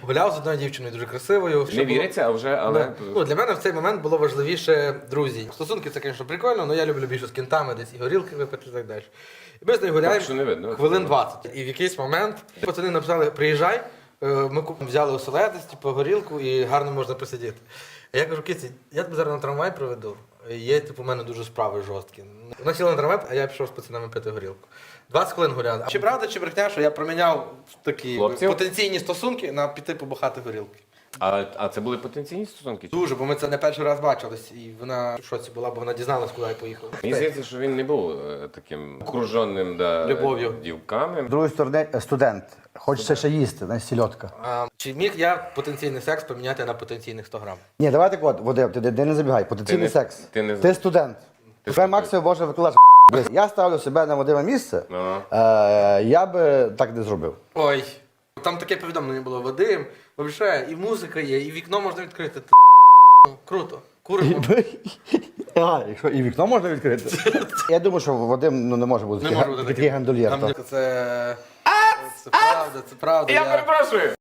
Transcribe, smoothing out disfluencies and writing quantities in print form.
гуляв з одною дівчиною дуже красивою. Не віриться, а вже, але... Ну, для мене в цей момент було важливіше друзі. Стосунки це, звісно, прикольно, але я люблю більше з кінтами, десь і горілки випити і так далі. І ми з нею гуляємо що не видно. хвилин 20. І в якийсь момент пацани написали, приїжджай, ми взяли оселедець, типу, горілку і гарно можна посидіти. А я кажу, Киці, я тебе зараз на трамвай проведу. Є, типу, у мене дуже справи жорсткі. Вона сіла на трамвай, а я пішов з пацанами пити горілку. 20 хвилин гуляли. Чи правда, чи брехня, що я проміняв такі Хлопців? потенційні стосунки на піти побухати горілки? А це були потенційні стосунки? Дуже, бо ми це не перший раз бачились, і вона в шоці була, бо вона дізналась, куди я поїхав. Мені здається, що він не був таким окруженим Любов'ю. дівками. З другої сторони, студент. Хочеться ще їсти, знаєш, сільотка. Чи міг я потенційний секс поміняти на потенційних 100 грам? Ні, давай так от, Вадим, ти не забігай. Потенційний Ти не- секс. ти не- Ти студент. Тебе студент. максимум може викладати. Я ставлю себе на Вадиме місце, я би так не зробив. Ой, там таке повідомлення було, Вадим, взагалі, і музика є, і вікно можна відкрити. Круто. Куримо. Якщо і вікно можна відкрити. Я думаю, що Вадим не може бути Не може бути такий гандольєр. Це правда, це правда. Я перепрошую!